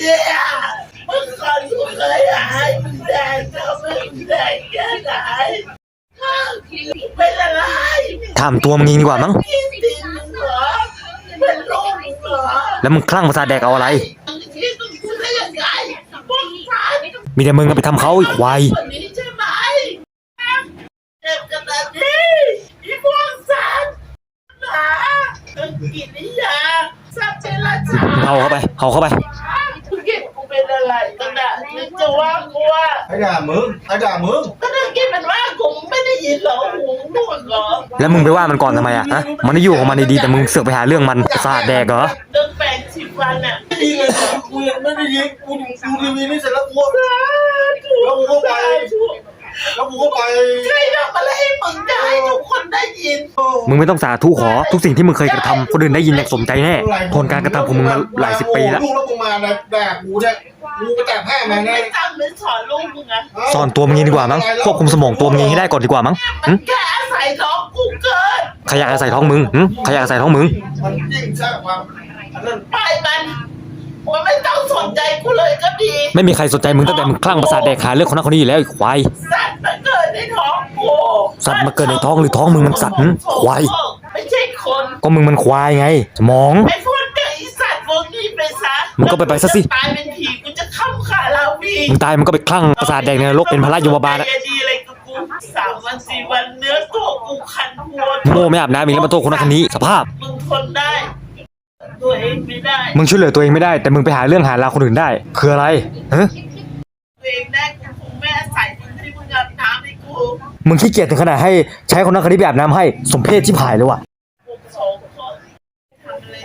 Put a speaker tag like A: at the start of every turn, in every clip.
A: เนี่ยเมื่อก่อนกูเคยหายมึงแดงก็ไม่แดงแค่ไหนเป็นอะไร
B: ถามตัวมึงเองดีกว่ามั้ง
A: กินดินมึงเหรอเป็นลูกมึงเหรอ
B: แล้วมึงคลั่งประสาทแดกเอาอะไร
A: ที่มึงพูดได้ยังไงพวกฉัน
B: มีแต่มึงไปทำเขาอีกควาย
A: คนนี้ใช่ไหมเจ็บกันแบบนี้อีพวกฉันนะกินนิยาสัตว์เจรจา
B: เอาเข้าไป
A: มึงเก็บกูเป็นอะไรกันน่ะมึงจะว่ากูว่า
C: ไอ้ด่ามึง
A: ก็ได้กินมันว่ากูไม่ได้ยินหรอหูหนวกเหรอ
B: แล้วมึงไปว่ามันก่อนทำไมอะฮะมันได้อยู่ของมันดีๆแต่มึงเสือกไปหาเรื่องมันประสาทแดกเหรอ
A: เรื่องแปลงสิบวันอ่ะ
C: ไม่ดีเลยกูยังไม่ได้ยินกูดูทีวีนี่เสร็จแล้วกูก็ไป
A: ใครทำอะไรให้มึงได้ทุกคนได้ยิน
B: มึงไม่ต้องสาธุขอทุกสิ่งที่มึงเคยกระทำคนอื่นได้ยินอย่างสมใจแน่ผลการกระทำของมึงมาหลายสิบปีแล้ว
C: ลูกแล้วมึงมาแดกกูเนี่ยกูไปแตกแพ้มาไง
A: จำเลยสอนลูกมึงอะ
B: สอนตัวมึงเองดีกว่ามั้งควบคุมสมองตัวมึงเองให้ได้ก่อนดีกว่ามั้ง
A: มันแค่อาศัยท้องกูเกิน
B: ขยะอาศัยท้องมึงขยะอาศัยท้องมึง
C: มันยิ่งสร้างความ
A: ไปมันไม่ต้องสนใจกูเลยก็ดี
B: ไม่มีใครสนใจมึงตั้งแต่มึงคลั่งประสาทแดกหาเรื่องคนนั้นคนนี้แล้วไอ้ควาย
A: สัตว์มาเกิดในท้องกู
B: สัตว์มาเกิดในท้องหรือท้องมึงมันสัตว์ควาย
A: ไม่ใช่คน
B: ก็มึงมันควายไงสมอง
A: ไอ้พวกเด็กสัตว์พวกนี้ไปซะ
B: มึงก็ไปซะสิ
A: ตายเป็นผีกูจะเข้าขาลาวี
B: มึงตายมึงก็ไปคลั่งประสาทแดกในนรกเป็นพระโยมบาลอะ
A: ดีอะไรกับกู3 วัน 4 วันเนื้อตัวกูคันหัว
B: โง่ไม่อาบน้ำอีกแล้วมาโทษคนนั้นคนนี้สภาพ
A: มึงทนได้ตัวเองไม่ได้
B: มึงช่วยเหลือตัวเองไม่ได้แต่มึงไปหาเรื่องหาราวคนอื่นได้คืออะไร
A: ตัวเองได้กูคงไม่อาศัยมึงที่มึงอาบน้ำให้กู
B: มึงขี้เกียจถึงขนาดให้ใช้คนนั้นคนนี้ไปอาบน้ำให้สมเพศชิบหายเลยว่ะ
A: ทำอะไร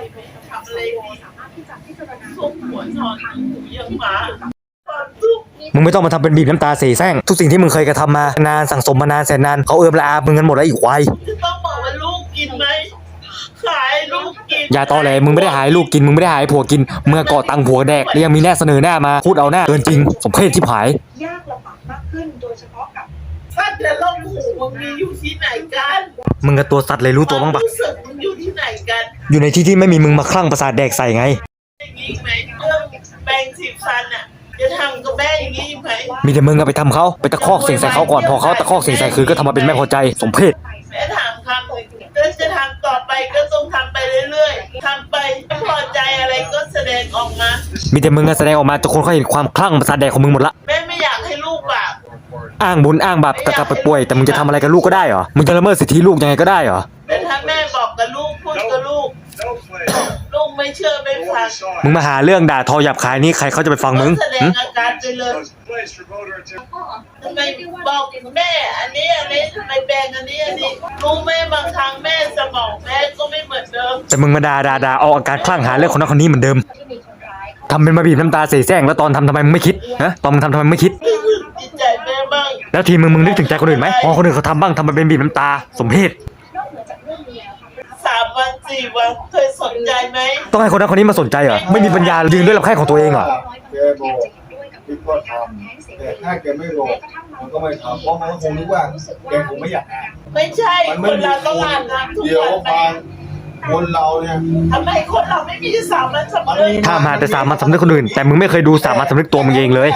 A: ซุกหัวชอนหูยังหมา
B: มึงไม่ต้องมาทำเป็นบีบน้ำตาเสแสร้งทุกสิ่งที่มึงเคยกระทำมานานสั่งสมมานานแสนนานเขาละอามึงกันหมดแล้วอีกควาย
A: จะต้องบอกว่าลูกกินไหมขายลูกกิน
B: อย่าตอแหลมึงไม่ได้หายลูกกินมึงไม่ได้หายผัวกินเมื่อก่อตังผัวแดกแล้วยังมีแน่เสนอหน้ามาพูดเอาหน้าเกินจริงสมเพศชิบหาย
D: ยากลำบากมากขึ้นโดยเฉพาะกับ
A: สัตว์และลมหูมึงมีอยู่ที่ไหนกัน
B: มึงกับตัวสัตว์เลยรู้ตัวบ้างปะ
A: รู้สึกมึงอยู่ที่ไหนกัน
B: อยู่ในที่ที่ไม่มีมึงมาคลั่งประสาทแดกใส่ไง
A: อย่างนี้ไหมเรื่องแปลงสีฟันอะจะทำกับแม่อย่างนี้ไหม
B: มีแต่มึงไปทำเขาไปตะคอกเสียงใส่เขาก่อนพอเขาตะคอกเสียงใส่คือก็ทำมาเป็นแม่พอใจสมเพศ
A: แม่ถามคำก็จะทำต่อไปก็ต้องทำไปเรื่อยๆทำไปไม่พอใจอะไรก็แสดงออกมา
B: มีแต่มึงแสดงออกมาจนคนเขาเห็นความคลั่งประสาทแดกของมึงหมดละ
A: แม่ไม่อยากให้ลูกบาป
B: อ้างบุญอ้างบาปกลับไปป่วยแต่มึงจะทำอะไรกับลูกก็ได้เหรอมึงจะละเมิดสิทธิลูกยังไงก็ได้เหรอ
A: แต่ถ้าแม่บอกกับลูกพูดกับลูกไม่เชื่อไม่ฟัง
B: มึงมาหาเรื่องด่าทอหยาบคายนี่ใครเขาจะไปฟังมึง
A: แสดงอาการไปเลยทำไมบอกแม่อันนี้ทำไมแบงอันนี้รู้ไหมบางครั้งแม่สมองแม่ก็ไม่เหมือนเดิม
B: แต่มึงมาด่าเอาอาการคลั่งหาเรื่องคนนั้นคนนี้เหมือนเดิมทำเป็นมาบีบน้ำตาเสแสร้งแล้วตอนทำไมมึงไม่คิดนะตอนมึงทำไมไม่คิด
A: จิตใจแม่บ้าง
B: แล้วทีมึงนึกถึงใจคนอื่นไหมพอคนอื่นเขาทำบ้างทำมาเป็นบีบน้ำตาสมเพศ
A: 3 วัน 4 วันเคยสนใจไหม
B: ต้องให้คนนั้นคนนี้มาสนใจเหรอไม่มีปัญญายืนด้วยลำแข้งของตัวเองเหรอ
C: แกบอกคิดว่าทำแต่ถ้าแกไม่บอกมันก็ไม่ทำเพราะมันคงนึกว่าแกคงไม่อยาก
A: ไม่ใช่คนเราต้องอ่านทุกวัน
C: คนเราเนี่ย
A: ทำไมคนเราไม่มีสามัญสำนึก
B: ถ้ามาแต่สามัญสำนึกคนอื่นแต่มึงไม่เคยดูสามัญสำนึกตัวมึงเองเลย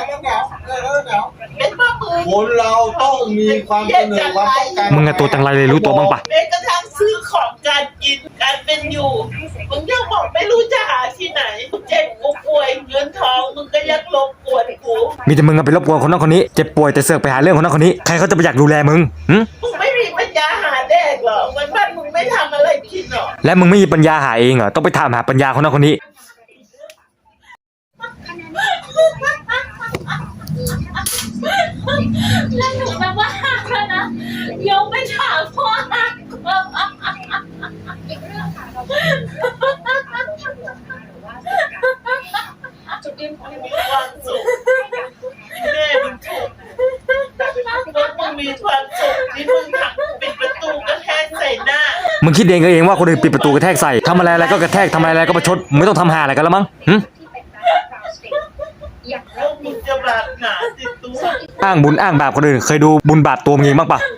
C: คนเราต้องมีความเสนอความต้องการ
B: มึงอะตัวจังไรเลยรู้ตัวบ้างปะ
A: แม้กระทั่งซื้อของการกินการเป็นอยู่มึงยังบอกไม่รู้จะหาที่ไหนเจ็บกูป่วยเงินทองมึงก็ยังรบกวนกู
B: มีแต่มึงไปรบกวนคนนั้นคนนี้เจ็บป่วยแต่เสือกไปหาเรื่องคนนั้นคนนี้ใครเขาจะไปอยากดูแลมึง
A: มึงไม่มีปัญญาหาแดกหรอวันบ้านมึงไม่ทำอะไรกินหรอ
B: และมึงไม่มีปัญญาหาเองเหรอต้องไปถามหาปัญญาคนนั้นคนนี้
E: แล้วหนูจะว่าแล้วนะยกไปถามพ่ออีกเรื่องค่ะจุดยืนของเรา
A: ความสุขแม่มึงถูกมึงมีความสุขที่มึงถักปิดประตูกระแทกใส่หน้า
B: มึงคิดเองว่าคนอื่นปิดประตูกระแทกใส่ทำอะไรก็กระแทกทำอะไรก็ประชดไม่ต้องทำหาอะไรกันแล้วมั้ง
A: แล้วมึงจะบาปหนาติดตัว
B: อ้างบุญอ้างบาปคนอื่นเคยดูบุญบาปตัวมึงเองบ้างปะ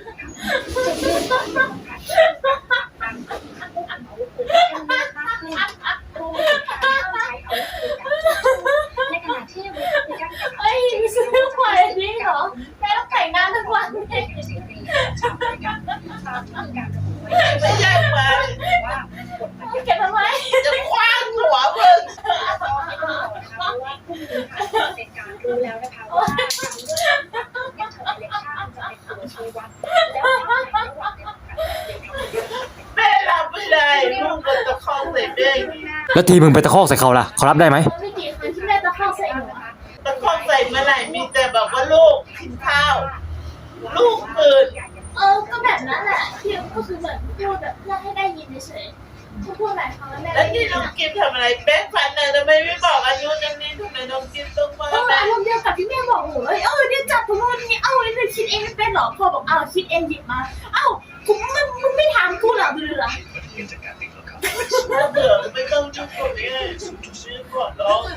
B: แล้วทีมึงไปตะคอกใส่เขาล่ะเขารับได้ไหม
E: มันไม่กี่ครั้งที่แม่จะเข้าใส่หนูอะ
A: ตะคอกใส่เมื่อไหร่มีแต่แบบว่าลูกกินข้าว ลูกตื่น
E: ก็แบบนั้นแหละที่ก็คือเหมือนพูดแบบเพื่อให้ได้ยินเฉยๆพูดหลายครั้งแล้วแม่
A: แล้วนี่น้องกิฟทำอะไรแป้งฟันเลยทำไมไม่บอกอายุนั่นนี่ทำไมน้องกิฟต้องมาแม่
E: อารมณ์เดียวกับที่แม่บอกหนูเลยเนี่ยจับตัวนู้นนี่เนี่ยคิดเองไม่เป็นหรอพอบอกคิดเองหยิบมากูมึงไม่ถามกูหรอเบื่อ
A: เบื่อไม่ต้องยุ่งกับแม่ชื่อก่อนร้อง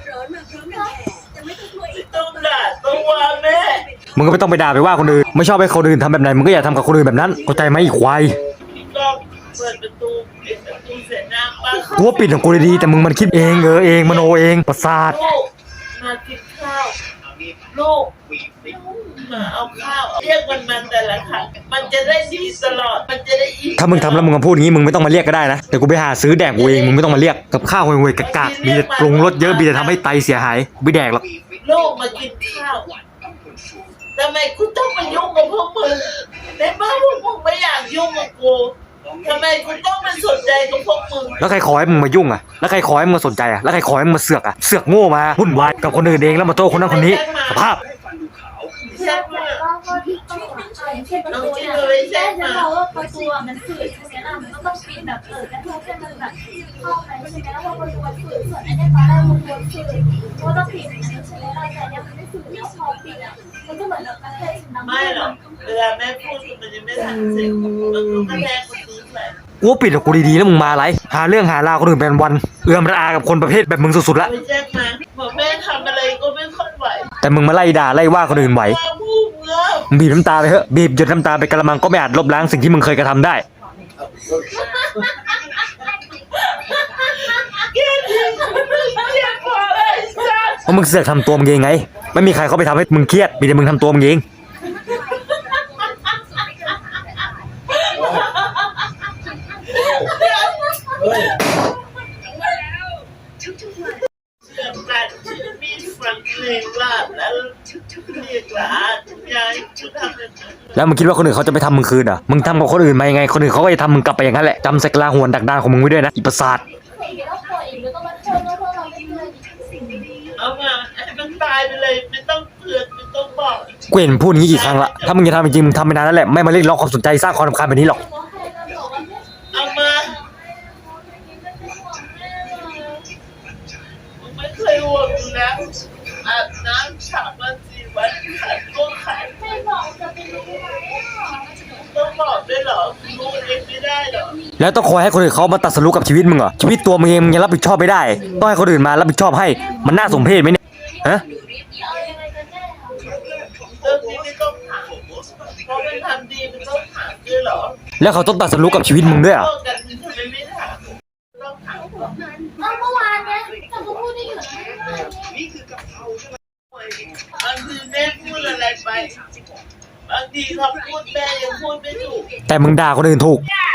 A: ไม่ต้องด่าต้องว่าแม่
B: มึงก็ไม่ต้องไปด่าไปว่าคนอื่นไม่ชอบให้คนอื่นทำแบบไหนมึงก็อย่าทำกับคนอื่นแบบนั้นเข้าใจไหมไอ้ควาย
A: พี่ก้องเปิดประตูปิดประตูเสร็จน้ำป้า
B: กูว่าปิดของกูดีๆแต่มึงมันคิดเองเองมโนเองประสาท
A: ลูกมากินข้าวลูกมาเอาข้าวเรียกมันมาแต่ละครั้งมันจะได้ดีตลอดมันจะได้อิ่ม
B: ถ้ามึงทำแล้วมึงมาพูดอย่างนี้มึงไม่ต้องมาเรียกก็ได้นะแต่กูไปหาซื้อแดกกูเองมึงไม่ต้องมาเรียกกับข้าวห่วยๆกากๆมีแต่ปรุงรสเยอะมีแต่ทำให้ไตเสียหายไม่แดกหรอก
A: ลูกมากินข้าวทำไมกูต้องมายุ่งกับพวกมึงในเมื่อพวกมึงไม่อยากยุ่งกับกูทำไมกูต้องมาสนใจกับพวกมึง
B: แล้วใครขอให้มึงมายุ่งอ่ะแล้วใครขอให้มึงมาสนใจอ่ะแล้วใครขอให้มึงมาเสือกอ่ะเสือกโง่มาวุ่นวายกับคนอื่นเองแล้วมาโทษคนนั้นคนนี้สภาพ
A: ใช่ไหม
E: ก็ที่ต้องอย่างเช่นประตูเนี่ยแม่จะบอกว่าประตูมันฝืดใช่ไหมล่ะมันก็ต้องปิดแบบกระทุ้งให้มันแบบเข้าไปใช่ไหมแล้วพอประตูมันฝืดส่วนไอ้เนี่ยตอนแรกมันควรฝืดก็ต้องปิดอย่างนั้นใช่ไหมล่ะแต่เนี่ยมันไม่ฝืดแล้วพอปิดอ่ะมันก็เหมือนแบบกระแทกสิ่งนั้น
A: ไม่หรอกเวลาแม่พูดมันยังไม่ทันเสร็จมันก็กระแทกประตูใส่
B: กูว่าปิดกับกูดีๆแล้วมึงมาอะไรหาเรื่องหาราวคนอื่นเป็นวันเอื้อมระอากับคนประเภทแบบมึงสุดๆละ
A: ไปแจ้งมาบอกแม่ทำอะไรก็ไม่ค่อยไหว
B: แต่มึงมาไล่ด่าไล่ว่าคนอื่นไหว
A: ว่าพูดเงา
B: มึงบีบน้ำตาไปเถอะบีบหยดน้ำตาไปกระมังก็ไม่อาจลบล้างสิ่งที่มึงเคยกระทำได้
A: เกลียดเกลียดพอเลยสัส
B: เพราะมึงเสือกทำตัวมึงเองไงไม่มีใครเขาไปทำให้มึงเครียดมีแต่มึงทำตัวมึงเอง
C: เฮ้ย
A: เชื่อมันมีฟังเพลงลาบแล้วเรียกหลานยายกูทำแบบนั้น
B: แล้วมึงคิดว่าคนอื่นเขาจะไปทำมึงคืนเหรอมึงทำกับคนอื่นมายังไงคนอื่นเขาก็จะทำมึงกลับไปอย่างนั้นแหละจำใส่กลาหัวนดักดานของมึงไว้ด้วยนะอีประสาท
E: แล้วพออีกแล้วก็มาเชิญแล้วพวกเราไม่เคยสิ่งดีๆ
A: เอามาให้มันตายไปเลยไม่ต้องเตือนไม่ต้องบอก
B: กูเห็นพูดอย่างนี้กี่ครั้งละถ้ามึงจะทำจริงๆมึงทำไปนานแล้วแหละไม่มาเรียกร้องความสนใจสร้างความรำคาญแบบนี้หรอก
A: เอามามึงไม่เคยห่วงอยู่แล้วอาบน้ำฉาบมา4 วันขัดก็ขัด
E: ไม่บอกจะไปรู้ไหมอ่ะ
A: ต้องบอกด้วยเหรอรู้เองไม่ได้เหรอ
B: แล้วต้องคอยให้คนอื่นเขามาตัดสรุปกับชีวิตมึงเหรอชีวิตตัวมึงเองมึงยังรับผิดชอบไม่ได้ต้องให้คนอื่นมารับผิดชอบให้มันน่าสมเพชไหมเนี่ยฮะ
E: เอายังไงกันแน่คะ
A: เรื่องนี้ไม่ต้องถามเพราะมันทำดีมันต้องถามด้วยเหรอ
B: แล้วเขาต้องตัดสรุปกับชีวิตมึงด้วยเหรอ
A: โทษกันทำไมไม่ถามต้องถามก่อน
E: เมื่อวานเนี่ยแต่ก็พูดได้อยู่นะ
A: บางทีแม่พูดอะไรไปบางทีเขาพูดแม่ยังพูดไม่ถูก
B: แต่มึงด่าคนอื่นถูก
A: ด่า